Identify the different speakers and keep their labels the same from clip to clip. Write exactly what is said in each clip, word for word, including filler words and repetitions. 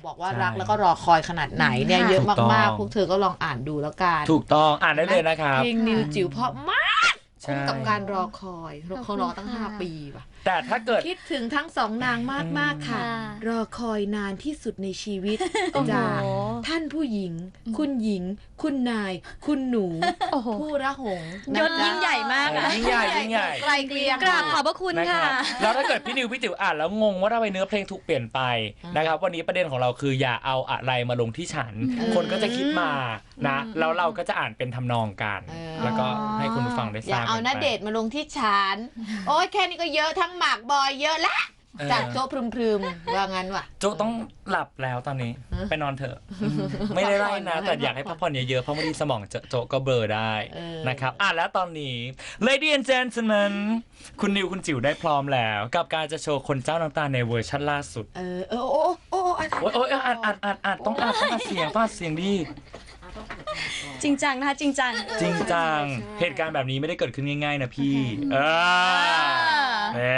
Speaker 1: บอกว่ารักแล้วก็รอคอยขนาดไหนเนี่ยเยอะมากๆพวกเธอก็ลองอ่านดูแล้วกัน
Speaker 2: ถูกต้องอ่านได้เลยนะครับ
Speaker 1: เพลงนิวจิ๋วเพราะมากคุ้มกับการรอคอยเขารอตั้งห้าปีป่ะ
Speaker 2: แต่ถ้าเกิด
Speaker 1: คิดถึงทั้งสองนางมากๆค่ะรอคอยนานที่สุดในชีวิตจากท่านผู้หญิงคุณหญิงคุณนายคุณหนูผู้ระหง
Speaker 3: ยศยิ่งใหญ่มากนะ
Speaker 2: ยิ่งใหญ่ยิ่งใหญ่
Speaker 1: ไกลเกลี่ย
Speaker 3: กราบขอบพระคุณค่ะ
Speaker 2: แล้วถ้าเกิดพี่นิวพี่ติ๋วอ่านแล้วงงว่าทำไมเนื้อเพลงถูกเปลี่ยนไปนะครับวันนี้ประเด็นของเราคืออย่าเอาอะไรมาลงที่ฉันคนก็จะคิดมานะแล้วเราก็จะอ่านเป็นทำนองกันแล้วก็ให้คุณผู้ฟังได้ทราบอย่า
Speaker 1: เอาณเดชน์มาลงที่ฉันโอ๊ยแค่นี้ก็เยอะทั้งหมากบอยเยอะละจากโจ๊พรึมๆว่างั้นว่ะ
Speaker 2: โจ๊ต้องหลับแล้วตอนนี้ไปนอนเถอะไม่ได้ไล่นะแต่อยากให้พักผ่อนเยอะๆเพราะบางทีสมองโจ๊ก็เบลอได้นะครับอ่ะแล้วตอนนี้ Lady and Gentlemen คุณนิวคุณจิ๋วได้พร้อมแล้วกับการจะโชว์คนเจ้าน้ำตาในเวอร์ชันล่าสุด
Speaker 1: เออเออโอ้โอ้โอ้
Speaker 2: โอ้ยอ่านอ่านอ่านอ่านต้องอ่านต้องอ่านเสียงต้องอ่านเสียงดี
Speaker 3: จริงจังนะคะจริงจัง
Speaker 2: จริงจังเหตุการณ์แบบนี้ไม่ได้เกิดขึ้นง่ายๆนะพี่เออแหม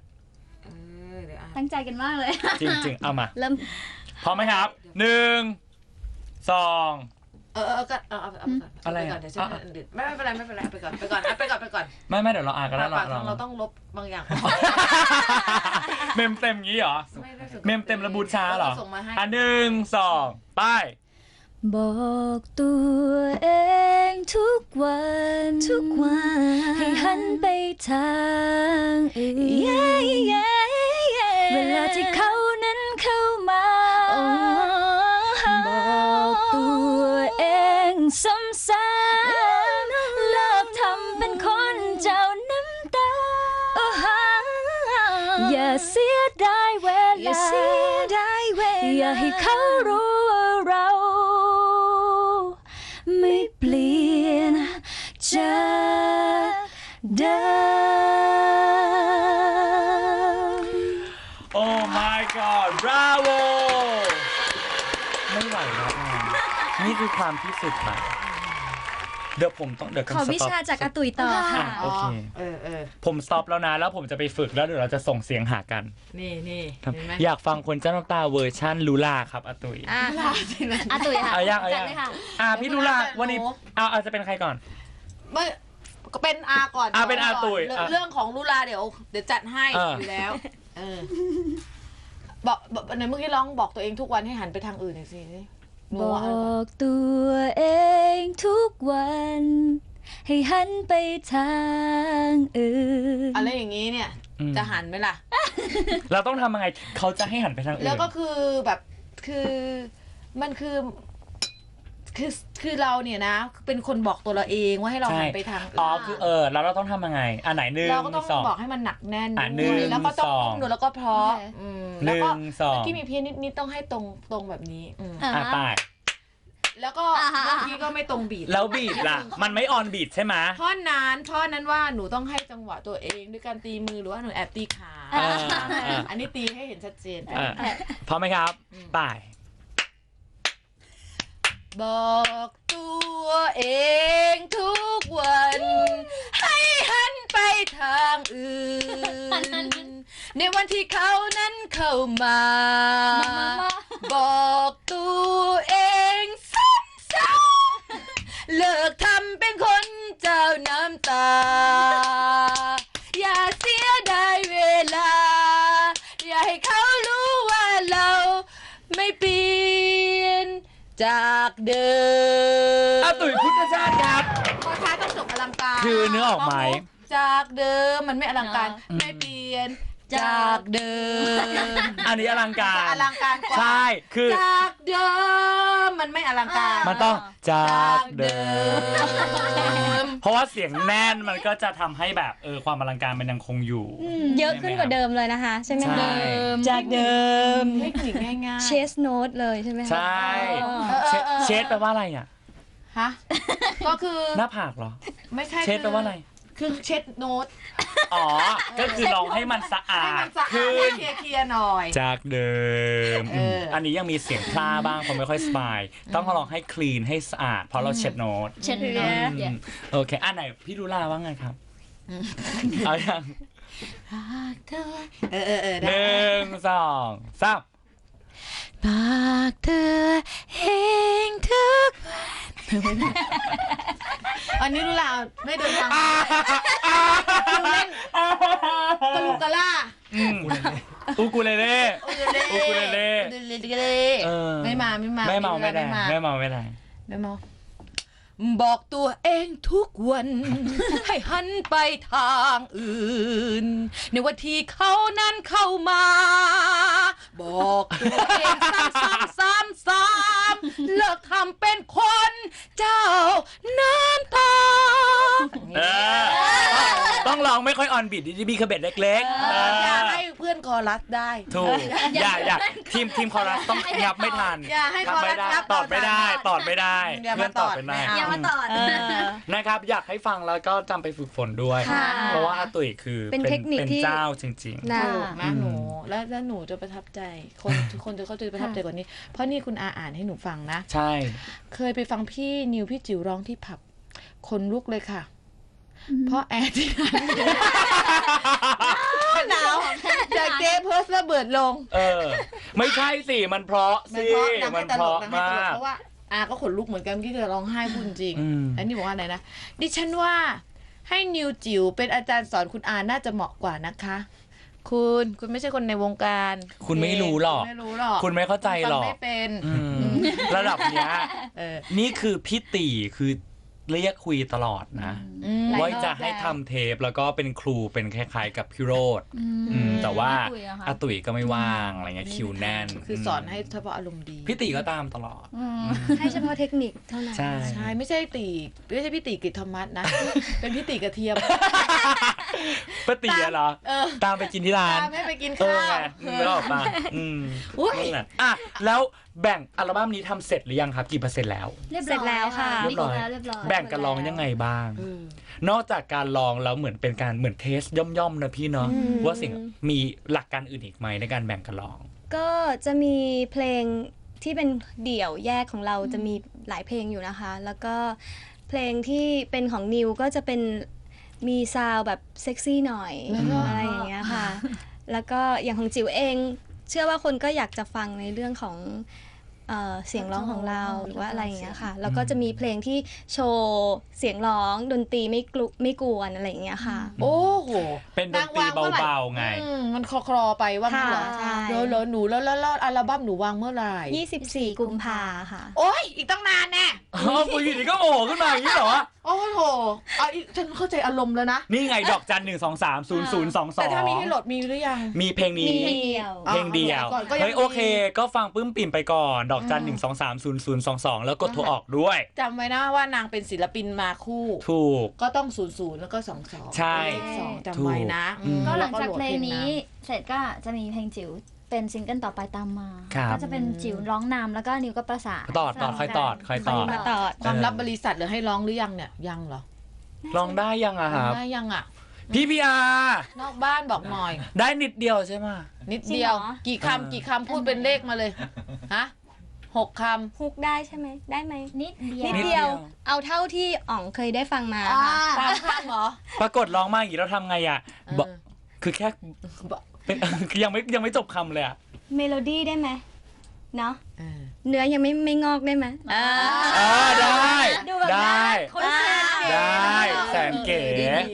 Speaker 3: ตั้งใจกันมากเลย
Speaker 2: จริงๆเอามา
Speaker 3: เริ่ม
Speaker 2: พร้อมไหมครับหนึ่งสอง
Speaker 1: เออเออก็เอาเอาเอาอะไรก่อนเดี๋ยวฉันไม่ไม่เป็นไรไม่เป็นไรไปก่อนไปก่อนไปก่อนไปก่อน
Speaker 2: ไม่ไม่เดี๋ยวเราอ่านกันแล้ว
Speaker 1: เราเราต้องลบบางอย่าง
Speaker 2: เมมเต็มงี้เหรอเมมเต็มระบูชาเหรออ่ะหนึ่งสองไป
Speaker 3: บอกตัวเองทุกวันทุกวันให้หันไปทางอื่นเวลาที่เขานั้นเข้ามาบอกตัวเองซ้ำๆเลิกทำเป็นคนเจ้าน้ำตาอย่าเสียดายเวลาอย่าให้เขารู้ว่าเราไม่เปลี่ยนจากเดิม
Speaker 2: Oh my God Bravo ไม่ไหวแล้วนี่คือความที่สุดค่ะเดี๋ยวผมต้องเดี๋ยว
Speaker 3: ขอวิชาจากอาตุ๋ยต่อค่ะ
Speaker 2: โอเค
Speaker 1: เออเออ
Speaker 2: ผมสต็อปแล้วนะแล้วผมจะไปฝึกแล้วเดี๋ยวเราจะส่งเสียงหากัน
Speaker 1: นี่นี่
Speaker 2: อยากฟังคนเจ้าน้ำตาเวอร์ชั่นลูลาครับอาตุ๋ย
Speaker 3: อาตุ๋ยค่ะ
Speaker 2: เอายังเอายังอ่ะพี่ลูลาวันนี้เอาเอาจะเป็นใครก่อน
Speaker 1: ไม่ก็เป็นอาก่อน
Speaker 2: อาเป็นอาตุ๋ย
Speaker 1: เรื่องของลูลาเดี๋ยวเดี๋ยวจัดให้อยู่แล้วเออบอกในเมื่อกี้ร้องบอกตัวเองทุกวันให้หันไปทางอื่นหน่อยสิ
Speaker 3: บอกตัวเองทุกวันให้หันไปทางอื่น
Speaker 1: อะไรอย่างนี้เนี่ยจะหันไหมล่ะ
Speaker 2: เราต้องทำยังไงเขาจะให้หันไปทางอื่น
Speaker 1: แล้วก็คือแบบคือมันคือคือคือเราเนี่ยนะเป็นคนบอกตัวเราเองว่าให้เราหันไปทาง
Speaker 2: อ๋อคือเออแล้วเราต้องทำยังไงอันไหนหนึ่ง
Speaker 1: เราก็ต้องบอกให้มันหนักแน่น
Speaker 2: แล้ว
Speaker 1: ก็ต้องนุ่มแล้วก็เพราะ
Speaker 2: แล้วก็
Speaker 1: ที่มีเพี้ยนนิดๆต้องให้ตรงตรงแบบนี้
Speaker 2: อ่าตาย
Speaker 1: แล้วก็บางทีก็ไม่ตรงบีท
Speaker 2: แล้วบีทล่ะมันไม่ออนบีทใช่ไหม
Speaker 1: ท่อนนั้นท่อนนั้นว่าหนูต้องให้จังหวะตัวเองด้วยการตีมือหรือว่าหนูแอบตีขาอันนี้ตีให้เห็นชัดเจน
Speaker 2: พร้อมไหมครับไป
Speaker 1: บอกตัวเองทุกวันให้หันไปทางอื่นในวันที่เขานั้นเข้ามาบอกตัวเองซ้ำๆเลิกทำเป็นคนเจ้าน้ำตาอย่าเสียดายเวลาอย่าให้เขารู้ว่าเราไม่เปลี่ยนจากเดิม
Speaker 2: อาตุ๋ยพุทธชาติครับ
Speaker 1: พอท้ายต้องจบอลังการ
Speaker 2: คือเนื้อออกไหม
Speaker 1: จากเดิมมันไม่อลังการไม่เปลี่ยนจากเดิม
Speaker 2: อันนี้อลังการ
Speaker 1: อลังการกว่า
Speaker 2: ใช่คือ
Speaker 1: จากเดิมมันไม่อลังการ
Speaker 2: มันต้องจากเดิมเพราะว่าเสียงแน่นมันก็จะทำให้แบบเออความอลังการมันยังคงอยู่
Speaker 3: เยอะขึ้นกว่าเดิมเลยนะคะใช่ไหมคะ
Speaker 1: จากเดิมเทคนิคง่าย
Speaker 3: ๆเชสโน้ตเลยใช่ไหม
Speaker 2: ใช่เชสแปลว่าอะไรอ่ะ
Speaker 1: ฮะก็คือ
Speaker 2: หน้าผากเหรอ
Speaker 1: ไม่ใช่
Speaker 2: เชสแปลว่าอะไร
Speaker 1: คือเช็ดโน้ต
Speaker 2: อ๋อก็คือลองให้มันสะอาด
Speaker 1: ขึ้นเคลียร์ๆหน่อย
Speaker 2: จากเดิมอันนี้ยังมีเสียงพลาบ้างเพราะไม่ค่อยสบายต้องลองให้คลีนให้สะอาดเพราะเราเช็ดโน้ต
Speaker 3: เช็ดโน้ต
Speaker 2: โอเคอันไหนพี่ดูลาว่าไงครับเอาอย่าง
Speaker 1: เออเออเออ
Speaker 2: หนึ่งสองสาม
Speaker 3: บา
Speaker 1: อันนี้รู้แล้วไม่เดินทางคือเล่นกะลูกะล่า
Speaker 2: อูกูเลเล่อูกูเลเล่
Speaker 1: อูกูเลเล่ไม่มาไม่มา
Speaker 2: ไม่เมาไม่ได้ไม่เมาไม่ได้
Speaker 1: ไม่เมาบอกตัวเองทุกวัน ให้หันไปทางอื่น ในวันที่เขานั้นเข้ามา บอกตัวเองซ้ำซ้ำซ้ำซ้ำเลิกทำเป็นคนเจ้าน้ำตา
Speaker 2: ต้องร้องไม่ค่อยออนบีทดีบีคาเบ็ดเล็กๆ
Speaker 1: อย่าให้เพื่อนคอรัสได้
Speaker 2: ถูกอย่าอย่าทีมทีมคอรัสต้องยับไม่ทัน
Speaker 1: อย่าให้คอรัสยับ
Speaker 2: ตอดไม่ได้ตอดไม่ได้เพื่อนตอดไม่ได้
Speaker 3: อย่ามาตอด
Speaker 2: นะครับอยากให้ฟังแล้วก็จำไปฝึกฝนด้วยเพราะว่าอาตุ๋ยคือเป็นเทคนิคที่เป็นเจ้าจริงๆ
Speaker 1: ถูกนะหนูแล้วแล้วหนูจะประทับใจคนทุกคนจะเขาจะประทับใจกว่านี้เพราะนี่คุณอาอ่านให้หนูฟังนะ
Speaker 2: ใช่
Speaker 1: เคยไปฟังพี่นิวพี่จิ๋วร้องที่ผับคนลุกเลยค่ะเพราะแอร์ที่หนาวจากเจ๊เพิร์สระเบิดลง
Speaker 2: เออไม่ใช่สิมันเพราะสิมันเพราะมาก
Speaker 1: เพราะว่าอาก็ขนลุกเหมือนกันที่เธอร้องไห้พูดจริงอันนี้บอกว่าอะไรนะดิฉันว่าให้นิวจิ๋วเป็นอาจารย์สอนคุณอาน่าจะเหมาะกว่านะคะคุณคุณไม่ใช่คนในวงการ
Speaker 2: คุณไม่รู้หรอกคุณไม่เข้าใจหรอก
Speaker 1: ไม่เป็น
Speaker 2: ระดับเนี้ยนี่คือพี่ตีคือเรียกคุยตลอดนะว่าจะให้ทำเทปแล้วก็เป็นครูเป็นคล้ายๆกับพี่โรดแต่ว่าอาตุ๋ยก็ไม่ว่างอะไรเงี้ยคิวแน่น
Speaker 1: คือสอนให้เฉพาะอารมณ์ดี
Speaker 2: พี่ตีก็ตามตลอด
Speaker 3: ให้เฉพาะเทคนิคเท่านั้น
Speaker 2: ใช่
Speaker 1: ใช่ไม่ใช่ตีไม่ใช่พี่ตีกิตธรรมัสนะเป็นพี่ตีกระเทียม
Speaker 2: ป้าตีเหรอตามไปกินที่ร้าน
Speaker 1: ตามให้ไปกินข้าว
Speaker 2: ไม่ออกมาอืมนั่นแหละอ่ะแล้วแบ่งอัลบั้มนี้ทำเสร็จหรือยังครับกี่เปอร์เซ็นต์แล้ว
Speaker 3: เสร็จแล้วค่ะ
Speaker 2: เรียบร้อยแบ่งกันร้องยังไงบ้างนอกจากการร้องแล้วเหมือนเป็นการเหมือนเทสย่อมๆนะพี่เนาะว่าสิ่งมีหลักการอื่นอีกไหมในการแบ่งกันร้อง
Speaker 3: ก็จะมีเพลงที่เป็นเดี่ยวแยกของเราจะมีหลายเพลงอยู่นะคะแล้วก็เพลงที่เป็นของนิวก็จะเป็นมีซาวแบบเซ็กซี่หน่อยอะไรอย่างเงี้ยค่ะแล้วก็อย่างของจิ๋วเองเชื่อว่าคนก็อยากจะฟังในเรื่องของเอ่อเสียงร้องของเราหรือว่าอะไรอย่างเงี้ยค่ะแล้วก็จะมีเพลงที่โชว์เสียงร้องดนตรีไม่กลุไม่กวนอะไรอย่างเงี้ยค่ะ
Speaker 1: โอ้โห
Speaker 2: เป็นดนตรีเบาๆไง
Speaker 1: มันคลอคลอไปว่าเหรอแล้วแล้วหนูแล้วแล้วอัลบั้มหนูวางเมื่อไหร่
Speaker 3: ยี่สิบสี่กุมภาค่ะ
Speaker 1: โอ๊ยอีกตั้งนานแน่
Speaker 2: อ๋ออยู่ดีก็โผล่ขึ้นมาอย่างนี้เหรอ
Speaker 1: โอ้โหอ่ะฉันเข้าใจอารมณ์แล้วนะ
Speaker 2: นี่ไงดอกจันหนึ่งสองสามศูนย์ศูนย์สองสองแต่
Speaker 1: ถ้ามีให้โหลดมีหรือยัง
Speaker 2: มีเพลงนี้เพลงเดียวเฮ้ยโอเคก็ฟังปื้มปิ่มไปก่อนดอกจันหนึ่งสองสามศูนย์ศูนย์สองสองแล้วกดโทรออกด้วย
Speaker 1: จำไว้นะว่านางเป็นศิลปินมาคู่
Speaker 2: ถูก
Speaker 1: ก็ต้องศูนย์ศูนย์แล้วก็สองสอง
Speaker 2: ใช่
Speaker 1: จำไว้นะ
Speaker 3: ก็หลังจากเพลงนี้เสร็จก็จะมีเพลงจิ๋วเป็นซิงเกิลต่อไปตามมาก็จะเป็นจิ๋วร้องนำแล้วก็นิวก็ประสาน
Speaker 2: ตอดตอดค่อยตอดค่อยตอด
Speaker 1: ความลับบริษัทหรือให้ร้องหรือยังเนี่ยยังเหรอ
Speaker 2: ร้องได้ยังอะครับ
Speaker 1: ได้ยังอะ
Speaker 2: พี่พีอาน
Speaker 1: อกบ้านบอกหน่อย
Speaker 2: ได้นิดเดียวใช่ไหม
Speaker 1: นิดเดียวกี่คำกี่คำพูดเป็นเลขมาเลยฮะหกคำ
Speaker 3: ฮุกได้ใช่ไหมได้ไหม
Speaker 1: นิดเดียว
Speaker 3: นิดเดียวเอาเท่าที่อ๋องเคยได้ฟังมา
Speaker 1: สามคำเหรอ
Speaker 2: ปรากฏร้องมาอย่างนี้เราทำไงอ่ะคือแค่เป็นยังไม่ยังไม่จบคำเลยอะ
Speaker 3: เมโลดี้ได้ไหมเนาะเนื้อยังไม่ไม่งอกได้ไหม
Speaker 2: อ่าได้ได้ได้แสนเก๋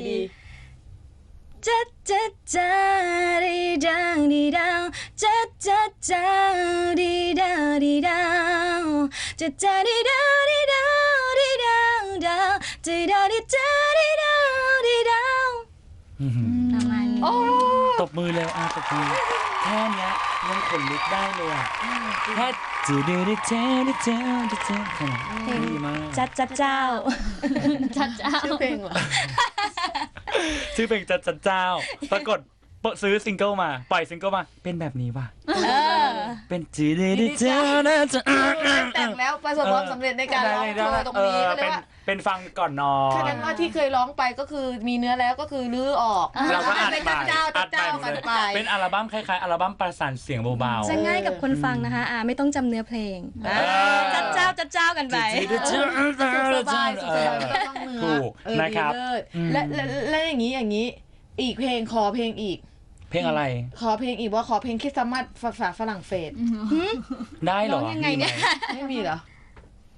Speaker 3: จัดจัดจัดดีดังดีดังจัดจัดจัดดีดังดีดังจัดจัดดีดังดีดังดีดังดังดีดังดีดังดีดังดีดังประมาณนี้
Speaker 2: ตบมือแล้วอ่ะตบมือแค่นี้ยังขนลุกได้เลยอ่ะแค่จืดดืดเจ้าดืดเจ้าดืดเจ้าขนาดดีมาก
Speaker 3: จัดจัดเจ้าจัดเจ้า
Speaker 1: ชื่อเพลงเหรอ
Speaker 2: ชื่อเพลงจัดจัดเจ้าปรากฏซื้อซิงเกิลมาปล่อยซิงเกิลมาเป็นแบบนี้ป่ะเป็นจืดดืดเจ้านะจะ
Speaker 1: แต่งแล้วประสบความสำเร็จในการร้องเพลงตรงนี้ก็เลยว่า
Speaker 2: เป็นฟังก่อนนอน
Speaker 1: แสดงว่าที่เคยร้องไปก็คือมีเนื้อแล้วก็คือลื้อออก
Speaker 2: เราก็อัดไป
Speaker 1: เจ้าเจ้ากันไป
Speaker 2: เป็นอัลบั้มคล้ายๆอัลบั้มประสานเสียงเบา
Speaker 3: ๆจะง่ายกับคนฟังนะคะอ่าไม่ต้องจำเนื้อเพลงจัดเจ้าจัดเจ้ากันไป
Speaker 1: สบายสบายไม่ต้องเนื้อ
Speaker 2: ถูกนะครับ
Speaker 1: และและอย่างนี้อย่างนี้อีกเพลงขอเพลงอีก
Speaker 2: เพลงอะไร
Speaker 1: ขอเพลงอีกว่าขอเพลงคริสต์มาสภาษาฝรั่งเศส
Speaker 2: ได้หรอ
Speaker 3: ยังไงเนี่ย
Speaker 1: ไม่มีเหรอ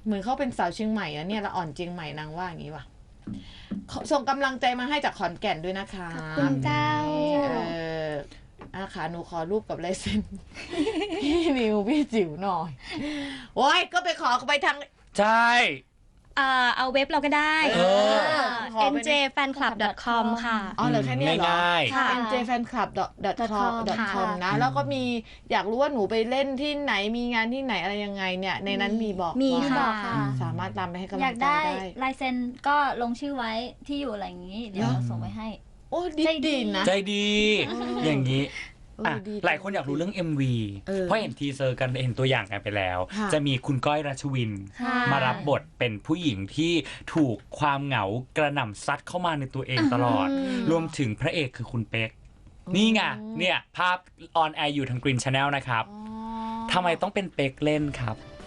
Speaker 1: เหมือนเขาเป็นสาวเชียงใหม่อะเนี่ยละอ่อนเชียงใหม่นางว่าอย่างนี้ว่ะส่งกำลังใจมาให้จากขอนแก่นด้วยนะคะ
Speaker 3: ขอบคุณเจ้า
Speaker 1: เอออาค่ะหนูขอรูปกับลายเซ็น พี่นิวพี่จิ๋วหน่อยโอ้ยก็ไปขอไปทาง
Speaker 2: ใช่
Speaker 3: อ่าเอาเว็บเราก็ได้
Speaker 2: เออ
Speaker 1: ขอ
Speaker 3: เอ็น
Speaker 1: ไป
Speaker 3: เจ แฟนคลับ ดอท คอม ค่ะ
Speaker 1: อ๋อเหลือแค่เนี้ยเหรอ
Speaker 2: ง่าย
Speaker 3: ค่ะ
Speaker 1: เอ็น เจ แฟนคลับ ดอท คอม ดอท คอม นะ แล้วก็มีอยากรู้ว่าหนูไปเล่นที่ไหนมีงานที่ไหนอะไรยังไงเนี่ยในนั้นมีบอก
Speaker 3: มี
Speaker 1: ว่า
Speaker 3: ค่ะ
Speaker 1: สามารถตามไปให้กำ
Speaker 3: อ
Speaker 1: ลั
Speaker 3: ยาง ก
Speaker 1: ใจ
Speaker 3: ได้
Speaker 1: ได้
Speaker 3: ลายเซ็นก็ลงชื่อไว้ที่อยู่อะไรอย่างนี้ เดี๋ยวเราส่งไปให้
Speaker 1: โอ้ดี
Speaker 3: ใจดี
Speaker 1: ดีนะ
Speaker 2: ใจดี อย่างนี้
Speaker 1: เออ
Speaker 2: อ่ะ
Speaker 1: ดี
Speaker 2: หลายคนอยากรู้เรื่อง เอ็ม วี
Speaker 1: เออ
Speaker 2: เพราะเห็นทีเซอร์กันเห็นตัวอย่างกันไปแล้ว
Speaker 1: ค่ะ
Speaker 2: จะมีคุณก้อยรัชวิน
Speaker 3: ค่ะ
Speaker 2: มารับบทเป็นผู้หญิงที่ถูกความเหงากระหน่ำซัดเข้ามาในตัวเองตลอด รวมถึงพระเอกคือคุณเป๊ก นี่ไง เนี่ย ภาพออนแอร์อยู่ทาง Green Channel นะครับ
Speaker 1: อ๋อ
Speaker 2: ทำไมต้องเป็นเป๊กเล่นครับ